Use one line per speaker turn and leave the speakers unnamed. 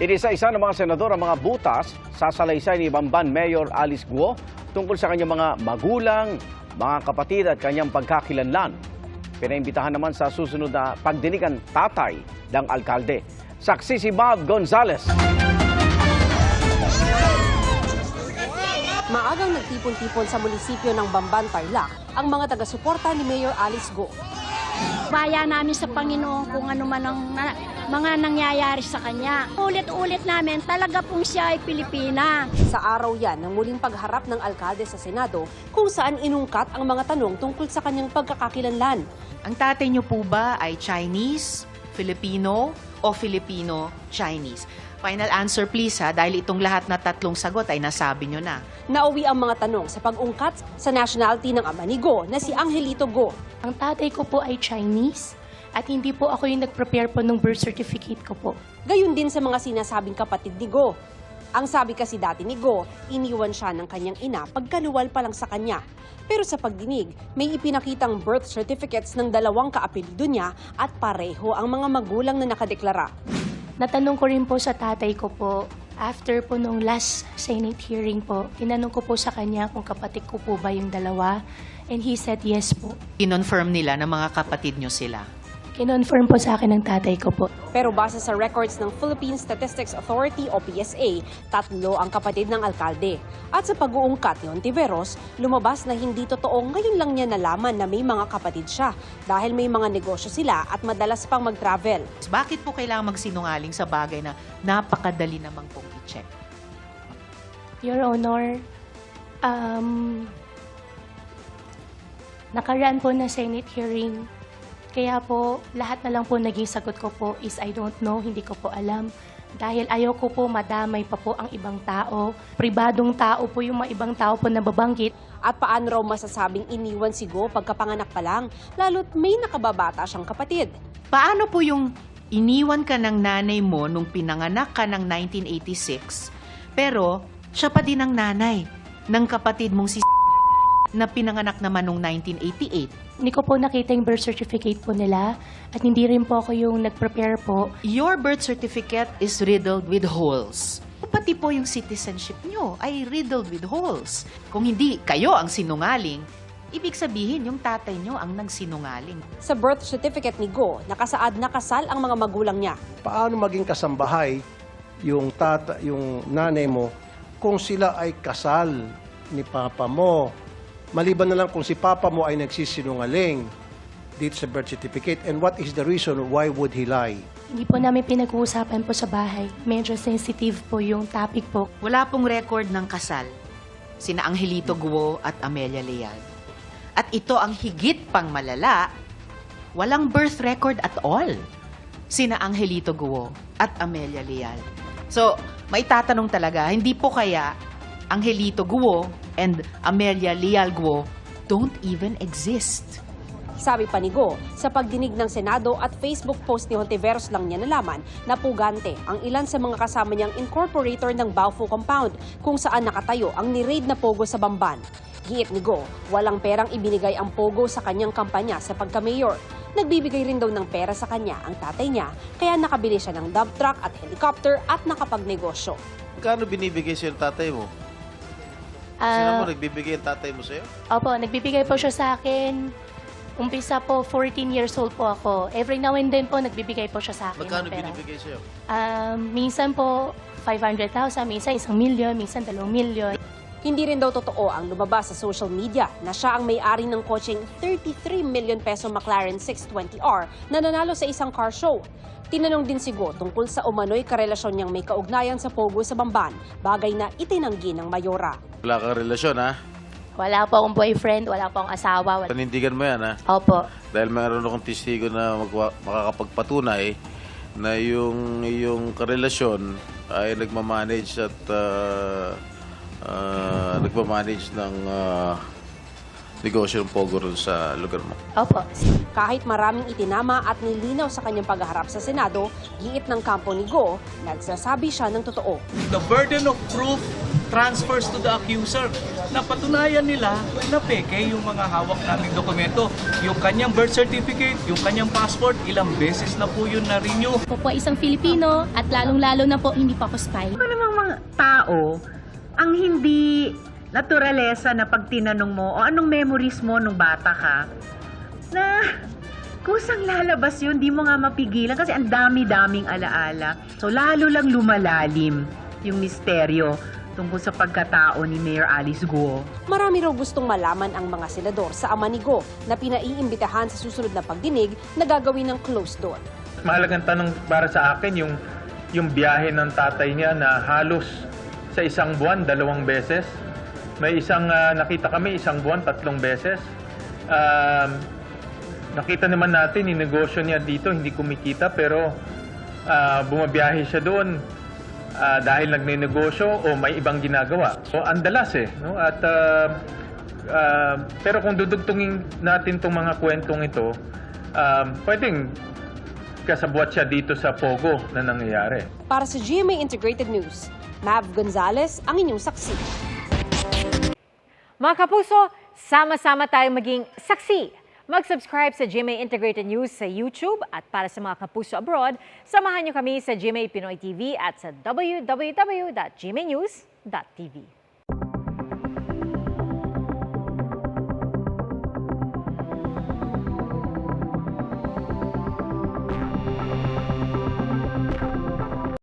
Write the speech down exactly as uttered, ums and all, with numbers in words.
Inisa-isa ng mga senador ang mga butas sa salaysay ni Bamban Mayor Alice Guo tungkol sa kanyang mga magulang, mga kapatid at kanyang pagkakilanlan. Pinaimbitahan naman sa susunod na pagdinig ang tatay ng alkalde. Saksi si Bob Gonzales.
Maagang nagtipon-tipon sa munisipyo ng Bamban, Tarlac ang mga taga-suporta ni Mayor Alice Guo.
Baya namin sa Panginoon kung ano man ang na, mga nangyayari sa kanya. Ulit-ulit namin, talaga pong siya ay Pilipina.
Sa araw yan ng muling pagharap ng alkalde sa Senado kung saan inungkat ang mga tanong tungkol sa kanyang pagkakakilanlan.
Ang tatay niyo po ba ay Chinese, Filipino o Filipino-Chinese? Final answer please ha, dahil itong lahat na tatlong sagot ay nasabi niyo na.
Nauwi ang mga tanong sa pag-ungkat sa nationality ng ama ni Guo na si Angelito Guo.
Ang tatay ko po ay Chinese at hindi po ako yung nag-prepare po ng birth certificate ko po.
Gayon din sa mga sinasabing kapatid ni Guo. Ang sabi kasi dati ni Guo, iniwan siya ng kanyang ina pagkaluwal pa lang sa kanya. Pero sa pagdinig, may ipinakitang birth certificates ng dalawang kaapelyido niya at pareho ang mga magulang na nakadeklara.
Natanong ko rin po sa tatay ko po, after po nung last Senate hearing po, tinanong ko po sa kanya kung kapatid ko po ba yung dalawa, and he said yes po.
Kinonfirm nila na mga kapatid niyo sila.
Kinonfirm po sa akin ng tatay ko po.
Pero base sa records ng Philippine Statistics Authority o P S A, tatlo ang kapatid ng alkalde. At sa pag-uungkat ni Ontiveros, lumabas na hindi totoo ngayon lang niya nalaman na may mga kapatid siya dahil may mga negosyo sila at madalas pang mag-travel.
Bakit po kailangan magsinungaling sa bagay na napakadali namang pong i-check?
Your Honor, um, nakaraan po na Senate hearing. Kaya po, lahat na lang po naging sagot ko po is I don't know, hindi ko po alam. Dahil ayaw ko po madamay pa po ang ibang tao. Pribadong tao po yung mga ibang tao po na babanggit.
At paano raw masasabing iniwan si Guo pagkapanganak pa lang, lalo't may nakababata siyang kapatid.
Paano po yung iniwan ka ng nanay mo nung pinanganak ka ng nineteen eighty-six, pero siya pa din ang nanay ng kapatid mong si na pinanganak naman nung nineteen eighty-eight?
Hindi ko po nakita yung birth certificate po nila at hindi rin po ako yung nag-prepare po.
Your birth certificate is riddled with holes. Pati po yung citizenship nyo ay riddled with holes. Kung hindi kayo ang sinungaling, ibig sabihin yung tatay nyo ang nagsinungaling.
Sa birth certificate ni Guo, nakasaad na kasal ang mga magulang niya.
Paano maging kasambahay yung tata, yung nanay mo kung sila ay kasal ni papa mo? Maliban na lang kung si papa mo ay nagsisinungaling dito sa birth certificate, and what is the reason why would he lie?
Hindi po namin pinag-uusapan po sa bahay. Medyo sensitive po yung topic po.
Wala pong record ng kasal sina Angelito Guo at Amelia Leal. At ito ang higit pang malala, walang birth record at all sina Angelito Guo at Amelia Leal. So, may tatanong talaga, hindi po kaya Angelito Guo and Amelia Leal Guo don't even exist?
Sabi pa ni Guo, sa pagdinig ng Senado at Facebook post ni Hontiveros lang niya nalaman na pugante ang ilan sa mga kasama niyang incorporator ng Baofu Compound kung saan nakatayo ang ni-raid na Pogo sa Bamban. Giit ni Guo, walang perang ibinigay ang Pogo sa kanyang kampanya sa pagka-mayor. Nagbibigay rin daw ng pera sa kanya ang tatay niya, kaya nakabili siya ng dump truck at helicopter at nakapagnegosyo.
Kano binibigay sa'yo ng tatay mo?
Ah,
Sino mo nagbibigay ang tatay mo sa'yo?
Opo, nagbibigay po siya sa akin. Umpisa po, fourteen years old po ako. Every now and then po, nagbibigay po siya sa akin.
Magkano
ng pera.
binibigay sa'yo?
Um, minsan po, five hundred thousand, minsan isang milyon, minsan dalawang milyon.
Hindi rin daw totoo ang lumabas sa social media na siya ang may-ari ng kotseng thirty-three million peso McLaren six twenty R na nanalo sa isang car show. Tinanong din si Guo tungkol sa umano'y karelasyon niyang may kaugnayan sa Pogo sa Bamban, bagay na itinanggi ng mayora.
Wala kang relasyon, ha?
Wala po akong boyfriend, wala po akong asawa. Wala...
Panindigan mo yan, ha?
Opo.
Dahil mayroon akong testigo na magwa- makakapagpatunay na yung, yung karelasyon ay nagmamanage at uh, uh, nagmamanage ng, uh, negosyo ng Pogo rin sa lugar mo.
Opo.
Kahit maraming itinama at nilinaw sa kanyang pagharap sa Senado, giit ng kampo ni Go, nagsasabi siya ng totoo.
The burden of proof transfers to the accuser. Napatunayan nila na peke yung mga hawak naming dokumento. Yung kanyang birth certificate, yung kanyang passport, ilang beses na po yun na-renew.
Ako po ay isang Filipino at lalong-lalo na po hindi pa ako spy.
Ano namang mga tao ang hindi naturalesa na pag tinanong mo o anong memories mo nung bata ka, na kusang lalabas yun, di mo nga mapigilan kasi ang dami-daming alaala. So lalo lang lumalalim yung misteryo tungkol sa pagkatao ni Mayor Alice Guo.
Marami raw gustong malaman ang mga senador sa ama ni Go na pinaiimbitahan sa susunod na pagdinig na gagawin ng closed door.
Mahalagang tanong para sa akin yung, yung biyahe ng tatay niya na halos sa isang buwan, dalawang beses. May isang uh, nakita kami, isang buwan, tatlong beses. Um, nakita naman natin, yung negosyo niya dito, hindi kumikita, pero uh, bumabiyahe siya doon uh, dahil nagne-negosyo o may ibang ginagawa. So, ang dalas eh. No? At, uh, uh, pero kung dudugtungin natin itong mga kwentong ito, um, pwedeng kasabwat siya dito sa Pogo na nangyayari.
Para sa G M A Integrated News, Mav Gonzalez ang inyong saksi.
Mga kapuso, sama-sama tayong maging saksi. Mag-subscribe sa G M A Integrated News sa YouTube at para sa mga kapuso abroad, samahan niyo kami sa G M A Pinoy T V at sa w w w dot g m a news dot t v.